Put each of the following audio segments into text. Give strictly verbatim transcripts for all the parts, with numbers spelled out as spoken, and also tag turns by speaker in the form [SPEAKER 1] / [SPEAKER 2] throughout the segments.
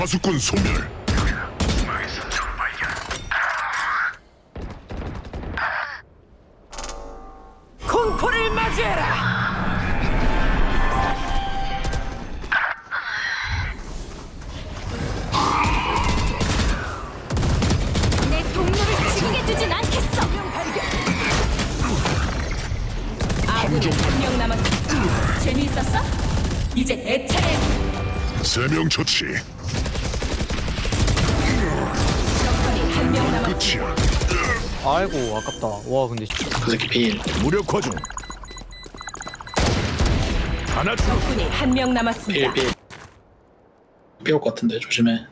[SPEAKER 1] 파수꾼 소멸.
[SPEAKER 2] 공포를 맞이해라.
[SPEAKER 3] 내 동료를 죽이게 두진 않겠어.
[SPEAKER 2] 아군이 한 명 남았습니다. 재미있었어? 이제 내 차례.
[SPEAKER 1] 세 명 처치.
[SPEAKER 2] 적군이 한 명 남았습니다.
[SPEAKER 1] 끝이야.
[SPEAKER 4] 아이고 아깝다. 와 근데
[SPEAKER 5] 그 새끼 비인.
[SPEAKER 1] 무력화 중. 하나 중.
[SPEAKER 2] 적군이 한 명 남았습니다.
[SPEAKER 5] 비일 비일. 비올 것 같은데 조심해.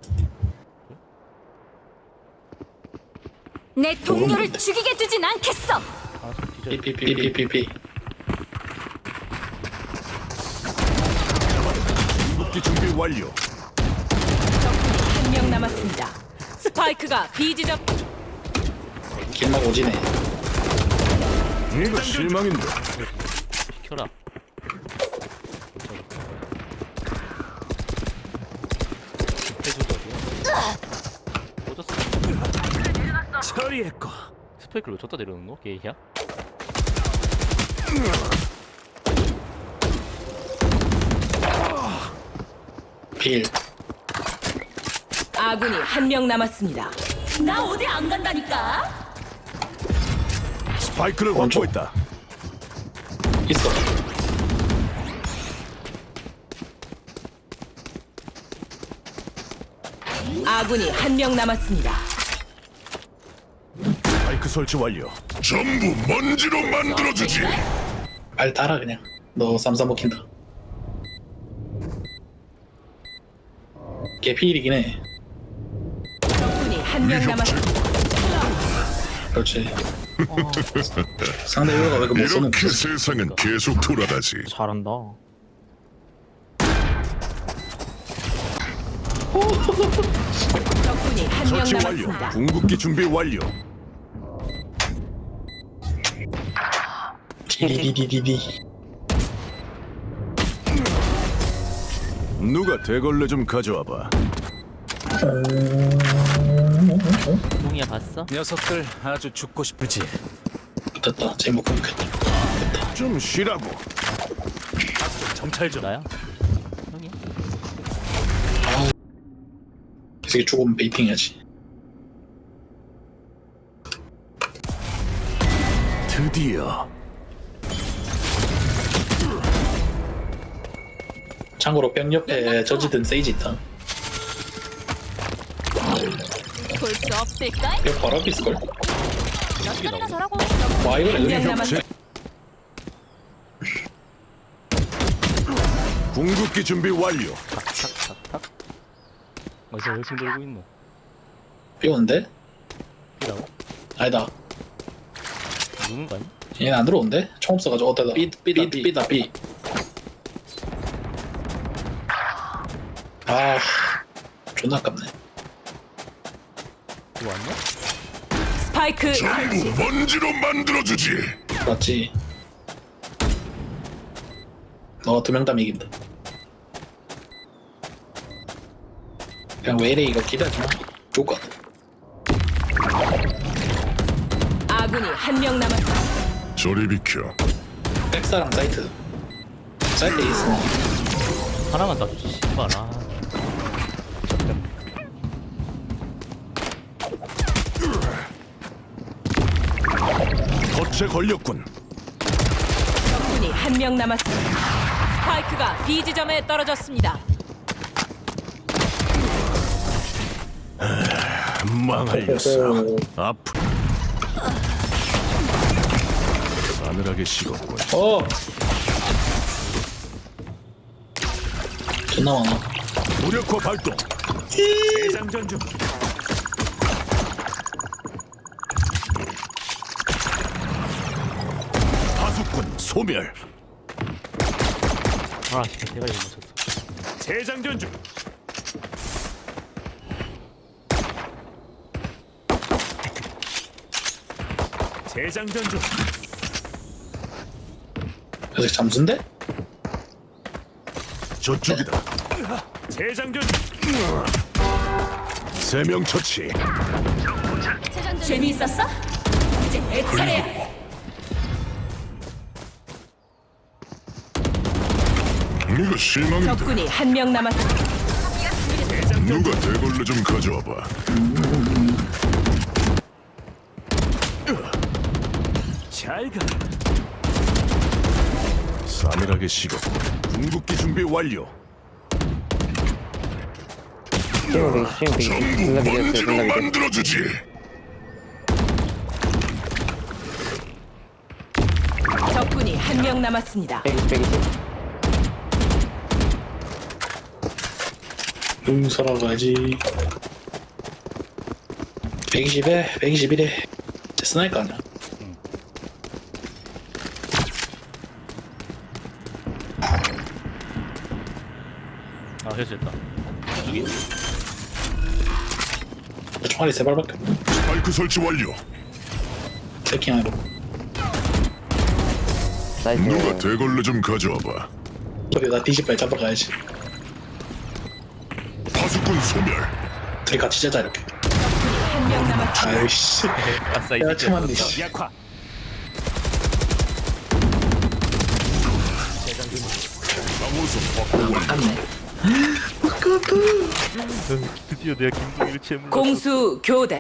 [SPEAKER 3] 내 동료를 죽이게 두진 않겠어.
[SPEAKER 5] 비비비비비비.
[SPEAKER 1] 궁극기 준비 완료.
[SPEAKER 2] 적군이 한 명 남았습니다. 스파이크가 B 지점.
[SPEAKER 5] 길막 오지네.
[SPEAKER 1] 이거 실망인데.
[SPEAKER 4] 시켜라. 해줘도 어디야? 꽂았어.
[SPEAKER 1] 처리했고.
[SPEAKER 4] 스파이크를 왜 줬다 내려놓는 거? 게이야?
[SPEAKER 5] 비일.
[SPEAKER 2] 아군이 한 명 남았습니다. 나 어디 안 간다니까.
[SPEAKER 1] 스파이크를
[SPEAKER 5] 원초.
[SPEAKER 1] 확보했다.
[SPEAKER 5] 있어.
[SPEAKER 2] 아군이 한 명 남았습니다.
[SPEAKER 1] 스파이크 설치 완료. 전부 먼지로 만들어주지.
[SPEAKER 5] 말 따라 그냥. 너 쌈싸 먹힌다. 걔 비일이긴 해.
[SPEAKER 2] 적군이 한 명 남았습니다.
[SPEAKER 5] 그렇지. 상대 요가 왜 이렇게 못 써놓고
[SPEAKER 1] 이렇게
[SPEAKER 5] 있어?
[SPEAKER 1] 세상은 계속 돌아가지.
[SPEAKER 4] 잘한다.
[SPEAKER 2] 적군이 한 명
[SPEAKER 1] 설치 완료.
[SPEAKER 2] 남았습니다.
[SPEAKER 1] 궁극기 준비 완료.
[SPEAKER 5] 디디디디디.
[SPEAKER 1] 누가 대걸레 좀 가져와봐.
[SPEAKER 4] 몽이야 봤어?
[SPEAKER 6] 녀석들 아주 죽고 싶을지.
[SPEAKER 5] 됐다. 제목 끊겠다.
[SPEAKER 1] 좀 쉬라고.
[SPEAKER 6] 정찰 좀.
[SPEAKER 4] 나야? 형이야?
[SPEAKER 5] 이 새끼 죽으면 베이팅 해야지.
[SPEAKER 1] 드디어.
[SPEAKER 5] 참고로 병 옆에 저지든 세이지 있다.
[SPEAKER 3] 볼 수 없을까?
[SPEAKER 5] 벽 바로 앞에 있을걸?
[SPEAKER 3] 몇 살이나 저라고?
[SPEAKER 5] 와 이거
[SPEAKER 2] 한 명
[SPEAKER 5] 여기
[SPEAKER 2] 남았습니다.
[SPEAKER 1] 궁극기 준비 완료.
[SPEAKER 4] 탁탁탁탁. 어디서 열심 들고 있노?
[SPEAKER 5] 비오는데?
[SPEAKER 4] 이라고?
[SPEAKER 5] 아니다.
[SPEAKER 4] 누군 거 아니?
[SPEAKER 5] 얘는 안 들어온대? 총 없어가지고 어때다. 삐, 삐다 삐. 삐다 삐. 아 존나 아깝네.
[SPEAKER 4] 이거 왔냐?
[SPEAKER 2] 스파이크
[SPEAKER 1] 전부 먼지로 만들어주지.
[SPEAKER 5] 맞지? 너가 두 명 다 이긴다. 그냥 왜 이래 이거 기대하지 마. 좋을 것 같아.
[SPEAKER 2] 아군이 한 명 남았습니다.
[SPEAKER 1] 저리 비켜.
[SPEAKER 5] 백사랑 사이트. 사이트 있어.
[SPEAKER 4] 하나만 따주지 씨발. 아.
[SPEAKER 1] 덫에 걸렸군.
[SPEAKER 2] 적군이 한 명 남았습니다. 스파이크가 B 지점에 떨어졌습니다.
[SPEAKER 1] 망할 녀석. 아프. 싸늘하게 식었군.
[SPEAKER 5] 어. 존나 많아.
[SPEAKER 1] 무력화 발동.
[SPEAKER 6] 대장전 중.
[SPEAKER 1] 파수꾼 소멸.
[SPEAKER 4] 아 진짜 대가리 못 맞췄어.
[SPEAKER 6] 재장전 중. 재장전 중.
[SPEAKER 5] 그래서 잠수인데?
[SPEAKER 1] 저쪽이다.
[SPEAKER 6] 재장전 중.
[SPEAKER 1] 세 명 처치.
[SPEAKER 3] 재장전
[SPEAKER 2] 재미있었어? 이제 내 차례야.
[SPEAKER 1] 이거 실망인데.
[SPEAKER 2] 적군이 한 명 남았습니다.
[SPEAKER 1] 누가 대걸레 좀 가져와봐.
[SPEAKER 6] 잘 가.
[SPEAKER 1] 싸늘하게 식었고 궁극기 준비 완료.
[SPEAKER 7] 시험 되게 시험 되게
[SPEAKER 1] 전부
[SPEAKER 7] 존나 비겼어요
[SPEAKER 1] 먼지로
[SPEAKER 7] 존나 비겼어
[SPEAKER 1] 만들어주지.
[SPEAKER 2] 적군이 한 명 남았습니다.
[SPEAKER 7] 백이십 백이십
[SPEAKER 5] 응 살아가야지. 백이십에 백이십일에 스나이까 아니야?
[SPEAKER 4] 아 해제했다. 저기
[SPEAKER 5] 총알이 세 발밖에 없네.
[SPEAKER 1] 스파이크 설치 완료.
[SPEAKER 5] 체킹하러.
[SPEAKER 7] 나이스
[SPEAKER 1] 누가 대걸레 좀 가져와봐.
[SPEAKER 5] 저기 나 뒤집발 잡으러 가야지.
[SPEAKER 1] 파수꾼 소멸.
[SPEAKER 5] 둘이 같이 자자 이렇게.
[SPEAKER 2] 한 명 남았습니다.
[SPEAKER 5] 아이씨.
[SPEAKER 4] 아싸 이
[SPEAKER 5] 야
[SPEAKER 4] 새끼.
[SPEAKER 5] 참았네 씨.
[SPEAKER 6] 약화.
[SPEAKER 1] 방어선 확보 완료.
[SPEAKER 5] 맞네.
[SPEAKER 4] 드디어 내가 김동희를 채물.
[SPEAKER 2] 공수 교대.